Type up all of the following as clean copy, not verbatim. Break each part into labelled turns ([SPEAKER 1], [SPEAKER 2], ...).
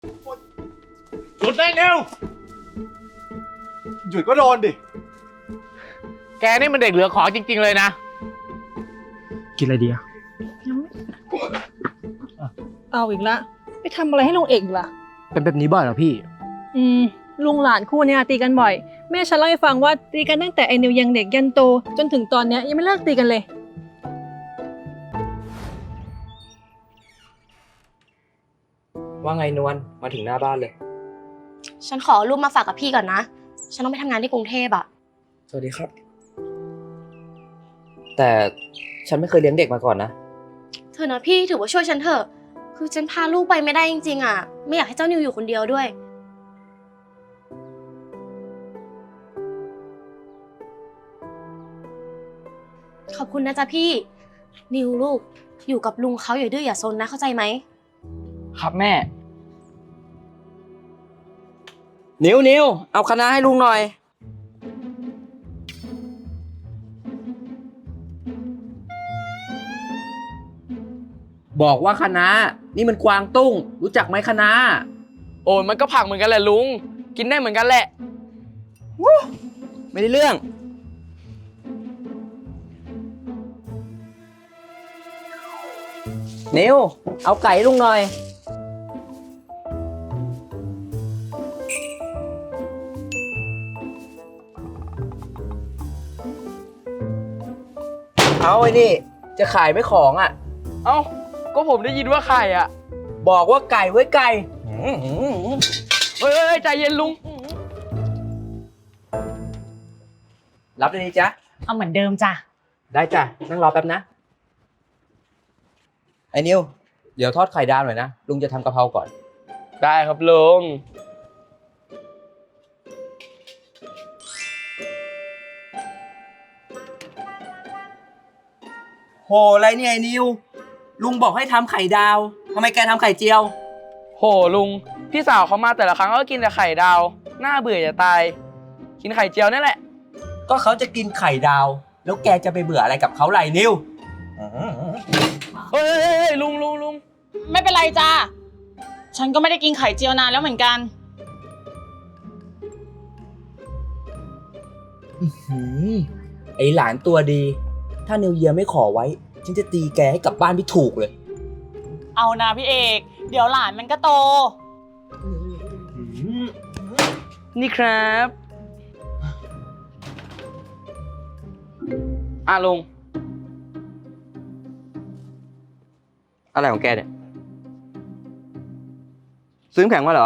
[SPEAKER 1] หยุดได้เร็วหยุดก็โดนดิแกนี่มันเด็กเหลือขอจริงๆเลยนะ
[SPEAKER 2] กินอะไรดีอะ
[SPEAKER 3] เอาอีกละไปทำอะไรให้ลุงเอกล่ะ
[SPEAKER 2] เป็นแบบนี้บ่อยเหรอพี่
[SPEAKER 3] ลุงหลานคู่เนี้ยตีกันบ่อยแม่ฉันเล่าให้ฟังว่าตีกันตั้งแต่ไอ้นิวยังเด็กยันโตจนถึงตอนเนี้ยยังไม่เลิกตีกันเลย
[SPEAKER 2] ว่าไงนวลมาถึงหน้าบ้านเลย
[SPEAKER 4] ฉันขอรูปมาฝากกับพี่ก่อนนะฉันต้องไปทำงานที่กรุงเทพอะ
[SPEAKER 2] สวัสดีครับ แต่ฉันไม่เคยเลี้ยงเด็กมาก่อนนะ
[SPEAKER 4] เธอนะพี่ถือว่าช่วยฉันเถอะคือฉันพาลูกไปไม่ได้จริงๆอะไม่อยากให้เจ้านิวอยู่คนเดียวด้วยขอบคุณนะจ๊ะพี่นิวลูกอยู่กับลุงเขาอย่าดื้ออย่าซนนะเข้าใจไหม
[SPEAKER 2] ครับแม่นิวเอาคณะให้ลุงหน่อยบอกว่าคณะนี่มันกวางตุ้งรู้จักไหมคณะ
[SPEAKER 5] โอ้ยมันก็ผักเหมือนกันแหละลุงกินได้เหมือนกันแหละ
[SPEAKER 2] ไม่ได้เรื่องนิวเอาไก่ลุงหน่อยเอาไอ้นี่จะขายไหมของอ่ะ
[SPEAKER 5] เอ้าก็ผมได้ยินว่าไข่อ่ะ
[SPEAKER 2] บอกว่าไก่ไว้ไก่
[SPEAKER 5] เฮ้ยใจเย็นลุง
[SPEAKER 2] รับได้ดีจ๊ะ
[SPEAKER 6] เอาเหมือนเดิมจ้ะ
[SPEAKER 2] ได้จ้ะนั่งรอแป๊บนะไอ้นิวเดี๋ยวทอดไข่ดาวหน่อยนะลุงจะทำกะเพราก่อน
[SPEAKER 5] ได้ครับลุง
[SPEAKER 2] โหอะไรเนี่ยไอ้นิวลุงบอกให้ทำไข่ดาวทำไมแกทำไข่เจียว
[SPEAKER 5] โหลุงพี่สาวเขามาแต่ละครั้งก็กินแต่ไข่ดาวน่าเบื่อจะตายกินไข่เจียวนี่แหละ
[SPEAKER 2] ก็เขาจะกินไข่ดาวแล้วแกจะไปเบื่ออะไรกับเขาไรนิว
[SPEAKER 5] เฮ้ยลุง
[SPEAKER 6] ไม่เป็นไรจ้าฉันก็ไม่ได้กินไข่เจียวนานแล้วเหมือนกัน
[SPEAKER 2] ไอหลานตัวดีถ้านิวเยียไม่ขอไว้ฉันจะตีแกให้กลับบ้านไม่ถูกเลย
[SPEAKER 6] เอานะพี่เอกเดี๋ยวหลานมันก็โต
[SPEAKER 5] นี่ครับลุง
[SPEAKER 2] อะไรของแกเนี่ยซื้อแข็งมาเหรอ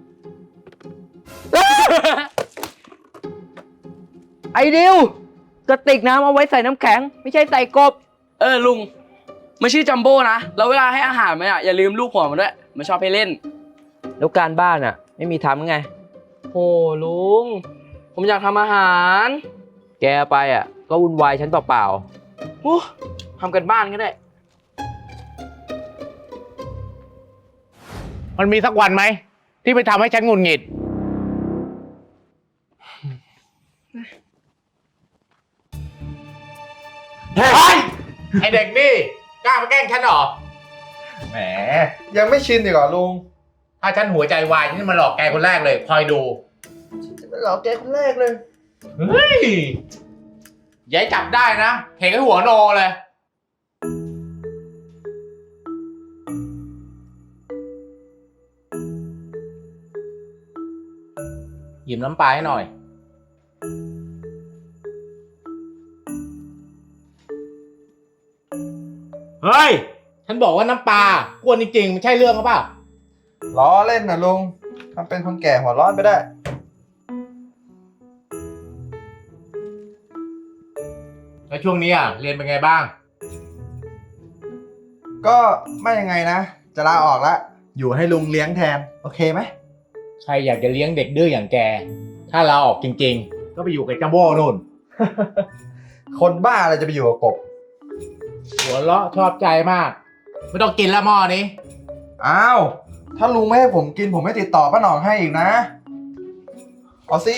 [SPEAKER 2] ไอ้ดิวกระติกน้ำเอาไว้ใส่น้ำแข็งไม่ใช่ใส่กบ
[SPEAKER 5] ลุงมันชื่อจัมโบ้นะแล้วเวลาให้อาหารมันอ่ะอย่าลืมลูกหัวมันด้วยมันชอบให้เล่น
[SPEAKER 2] แล้วการบ้านอ่ะไม่มีทำไง
[SPEAKER 5] โอ้ลุงผมอยากทำอาหาร
[SPEAKER 2] แกไปอ่ะก็วุ่นวายฉันเปล่า
[SPEAKER 5] ๆโอ้ทำกันบ้านก็ได้
[SPEAKER 1] มันมีสักวันไหมที่ไปทำให้ฉันหงุดหงิดเฮ้ยไอเด็กนี่กล้ามาแกล้งฉันเหรอแหมยังไม่ชินอีกเหรอลุงถ้าฉันหัวใจวายฉันมาหลอกแกคนแรกเลยคอยดูฉันจะมาหลอกแกคนแรกเลยเฮ้ยอย่าจับได้นะเห็นไอ้หัวโนเลยหยิบน้ำปลาให้หน่อยเฮ้ยฉันบอกว่าน้ำปลากวนจริงๆไม่ใช่เรื่องหรือเปล่า
[SPEAKER 7] ล้อเล่นนะลุงทำเป็นคนแก่หัวร้อนไปได้
[SPEAKER 1] แล้วช่วงนี้เรียนเป็นไงบ้าง
[SPEAKER 7] ก็ไม่ยังไงนะจะลาออกละอยู่ให้ลุงเลี้ยงแทนโอเคไหม
[SPEAKER 1] ใครอยากจะเลี้ยงเด็กดื้ออย่างแกถ้าลาออกจริงๆก็ไปอยู่กับจัมโบ้นู่น
[SPEAKER 7] คนบ้าอะไรจะไปอยู่กับกบ
[SPEAKER 1] หัวเราะชอบใจมากไม่ต้องกินละหม้อนี้
[SPEAKER 7] อ้าวถ้าลุงไม่ให้ผมกินผมไม่ติดต่อป้าหนองให้อีกนะเอาสิ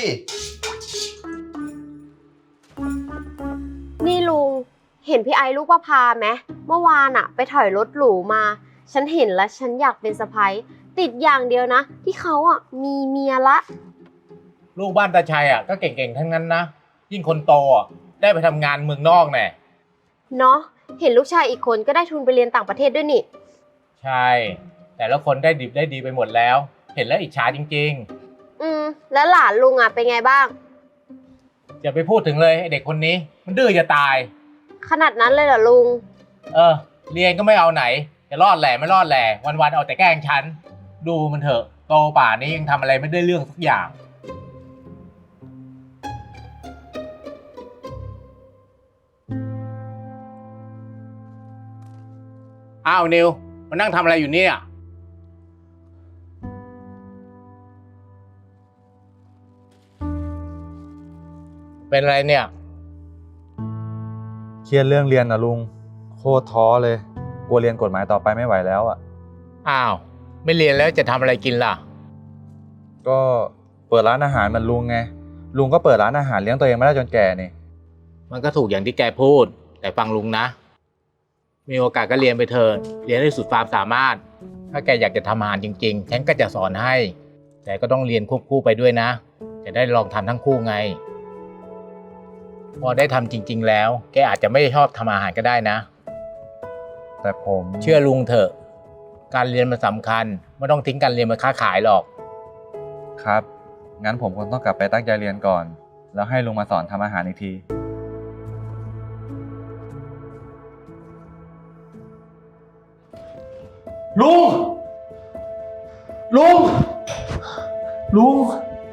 [SPEAKER 4] นี่ลุงเห็นพี่ไอลูกป้าพาไหมเมื่อวานอะไปถอยรถหรูมาฉันเห็นแล้วฉันอยากเป็นสะใภ้ติดอย่างเดียวนะ ที่เขาอ่ะมีเมียละ
[SPEAKER 1] ลูกบ้านตาชัยอ่ะก็เก่งๆทั้งนั้นนะ ยิ่งคนโตอ่ะได้ไปทำงานเมืองนอกแน่
[SPEAKER 4] เนาะเห็นลูกชายอีกคนก็ได้ทุนไปเรียนต่างประเทศด้วยนี่
[SPEAKER 1] ใช่ แต่ละคนได้ดิบได้ดีไปหมดแล้ว เห็นแล้วอิจฉาจริง
[SPEAKER 4] แล้วหลานลุงอ่ะเป็นไงบ้าง
[SPEAKER 1] ๆอย่าไปพูดถึงเลยไอ้เด็กคนนี้ มันดื้อจะตาย
[SPEAKER 4] ขนาดนั้นเลยเหรอลุง
[SPEAKER 1] เรียนก็ไม่เอาไหนจะรอดแหล่ไม่รอดแหล่วันๆเอาแต่แกล้งฉัน ดูมันเถอะโตป่านนี้ยังทำอะไรไม่ได้เรื่องสักอย่าง อ้าวนิวมานั่งทำอะไรอยู่เนี่ย เป็นอะไรเนี่ย
[SPEAKER 7] เครียดเรื่องเรียนนะลุง โคตรท้อเลย กลัวเรียนกฎหมายต่อไปไม่ไหวแล้วอ่ะ
[SPEAKER 1] อ้าว ไม่เรียนแล้วจะทำอะไรกินล่ะ
[SPEAKER 7] ก็เปิดร้านอาหารเหมือนลุงไง ลุงก็เปิดร้านอาหารเลี้ยงตัวเองมาได้จนแก่นี่
[SPEAKER 1] มันก็ถูกอย่างที่แกพูด แต่ฟังลุงนะ มีโอกาสก็เรียนไปเถอะเรียนให้สุดความสามารถ ถ้าแกอยากจะทำอาหารจริงๆ ฉันก็จะสอนให้ แต่ก็ต้องเรียนควบคู่ไปด้วยนะ จะได้ลองทำทั้งคู่ไง พอได้ทำจริงๆแล้ว แกอาจจะไม่ชอบทำอาหารก็ได้นะ
[SPEAKER 7] แต่ผม
[SPEAKER 1] เชื่อลุงเถอะ การเรียนมันสำคัญ ไม่ต้องทิ้งการเรียนมาค้าขายหรอก
[SPEAKER 7] ครับ งั้นผมคงต้องกลับไปตั้งใจเรียนก่อน แล้วให้ลุงมาสอนทำอาหารอีกที ลุง ลุง ลุง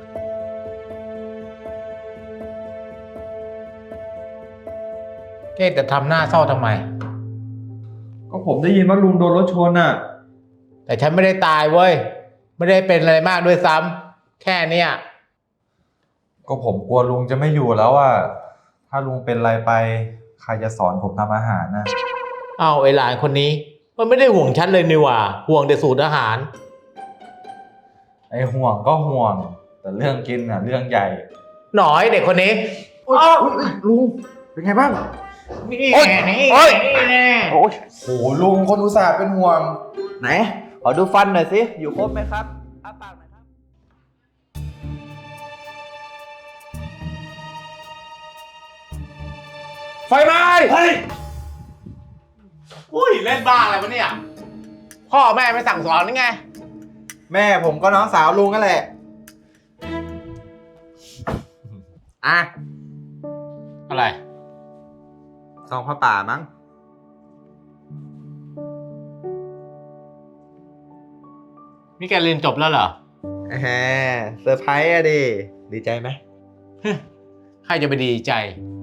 [SPEAKER 1] แกจะทำหน้าเศร้าทำไม
[SPEAKER 7] ก็ผมได้ยินว่าลุงโดนรถชนน่ะ
[SPEAKER 1] แต่ฉันไม่ได้ตายเว้ย ไม่ได้เป็นอะไรมากด้วยซ้ำแค่เนี้ย
[SPEAKER 7] ก็ผมกลัวลุงจะไม่อยู่แล้วอ่ะ ถ้าลุงเป็นอะไรไป ใครจะสอนผมทำอาหารนะ
[SPEAKER 1] เอาไอ้หลานคนนี้ มันไม่ได้ห่วงฉันเลยนี่หว่า ห่วงแต่สูตรอาหาร
[SPEAKER 7] ไอ้ห่วงก็ห่วง แต่เรื่องกินน่ะเรื่องใหญ่
[SPEAKER 1] หน่อยเด็กคนนี้
[SPEAKER 7] ลุง เป็นไงบ้าง
[SPEAKER 1] นี่
[SPEAKER 7] โอ๊ย
[SPEAKER 1] แน่นี่
[SPEAKER 7] โอ๊ย
[SPEAKER 1] นี่แน่
[SPEAKER 7] โอ้โหลุงคนอุตส่าห์เป็นห่วง ไหน ขอดูฟันหน่อยสิ อยู่ครบไหมครับอ้าปากหน่อยครับ ไฟไหม้เฮ้ย
[SPEAKER 1] อุ้ยเล่นบ้าอะไรวะเนี่ย พ่อแม่ไม่สั่งสอนนี่ไง
[SPEAKER 7] แม่ผมก็น้องสาวลุงนั่นแหละ อ่ะ
[SPEAKER 1] อะไร
[SPEAKER 7] ซองผ้าป่ามั้ง
[SPEAKER 1] นี่แกเรียนจบแล้วเหรอ
[SPEAKER 7] แหมเซอร์ไพรส์อะดิ ดีใจไหม
[SPEAKER 1] ใครจะไปดีใจ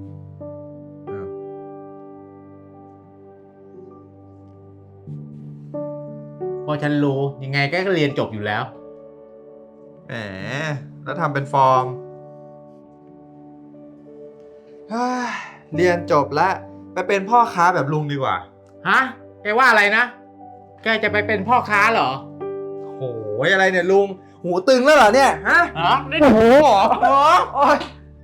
[SPEAKER 1] เพราะฉันรู้ยังไงแกก็เรียนจบอยู่แล้ว
[SPEAKER 7] แหม แล้วทำเป็นฟอร์มเฮ้ยเรียนจบแล้ว ไปเป็นพ่อค้าแบบลุงดีกว่า
[SPEAKER 1] ฮะ แกว่าอะไรนะ แกจะไปเป็นพ่อค้าเหรอ
[SPEAKER 7] โหยอะไรเนี่ยลุง หูตึงแล้วเหรอเนี่ย ฮะ
[SPEAKER 1] ฮะนี่
[SPEAKER 7] โอ้โหเหรอโอ๊ย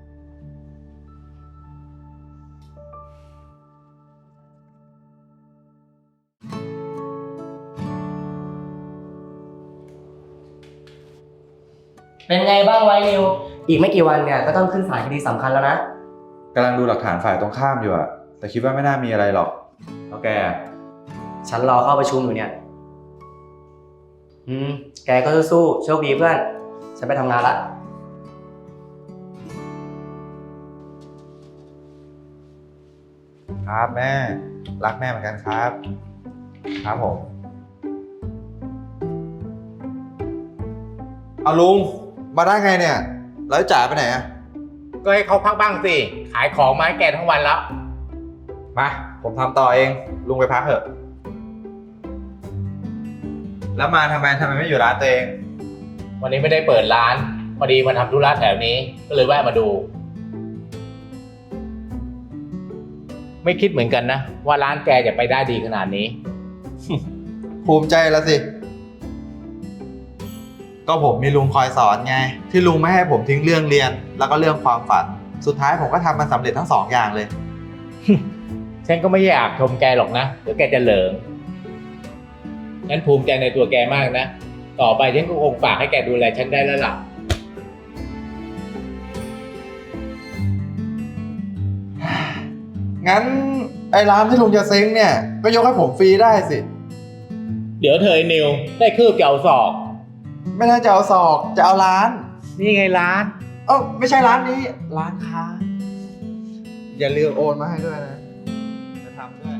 [SPEAKER 2] เป็นไงบ้างไวนิว อีกไม่กี่วันเนี่ยก็ต้องขึ้นศาลคดีสำคัญแล้วนะ
[SPEAKER 7] กำลังดูหลักฐานฝ่ายตรงข้ามอยู่อะแต่คิดว่าไม่น่ามีอะไรหรอกแล้วแก
[SPEAKER 2] ฉันรอเข้าประชุมอยู่เนี่ย แกก็สู้ๆโชคดีเพื่อน ฉันไปทำงานละ
[SPEAKER 7] ครับแม่ รักแม่เหมือนกันครับ ครับผม เอาลุง มาได้ไงเนี่ย แล้วจ่ายไปไหนอะ
[SPEAKER 1] ก็ให้เขาพักบ้างสิ ขายของมาให้แกทั้งวันแล้ว
[SPEAKER 7] มา ผมทำต่อเอง ลุงไปพักเถอะ แล้วมาทำไมไม่อยู่ร้านตัวเอง
[SPEAKER 1] วันนี้ไม่ได้เปิดร้าน พอดีมาทำธุระแถวนี้ ก็เลยแวะมาดู ไม่คิดเหมือนกันนะ ว่าร้านแกจะไปได้ดีขนาดนี้
[SPEAKER 7] ภูมิใจแล้วสิ ก็ผมมีลุงคอยสอนไง ที่ลุงไม่ให้ผมทิ้งเรื่องเรียน แล้วก็เรื่องความฝัน สุดท้ายผมก็ทำมันสำเร็จทั้งสองอย่างเลย
[SPEAKER 1] ฉันก็ไม่อยากชมแกหรอกนะ เดี๋ยวแกจะเหลิงฉันภูมิใจในตัวแกมากนะ ตต่อไปฉันก็คงฝากให้แกดูแลฉันได้แล้วล่ะ
[SPEAKER 7] งั้นไอ้ร้านที่ลุงจะเซ้งเนี่ย ก็ยกให้ผมฟรีได้สิ
[SPEAKER 1] เดี๋ยวเธอไอ้นิวได้คืบจะเอาศอก
[SPEAKER 7] ไม่น่าจะเอาศอกจะเอาร้าน
[SPEAKER 1] นี่ไงร้าน
[SPEAKER 7] เอ้าไม่ใช่ร้านนี้ ร้านค้า อย่าลืมโอนมาให้ด้วยนะ จะทำด้วย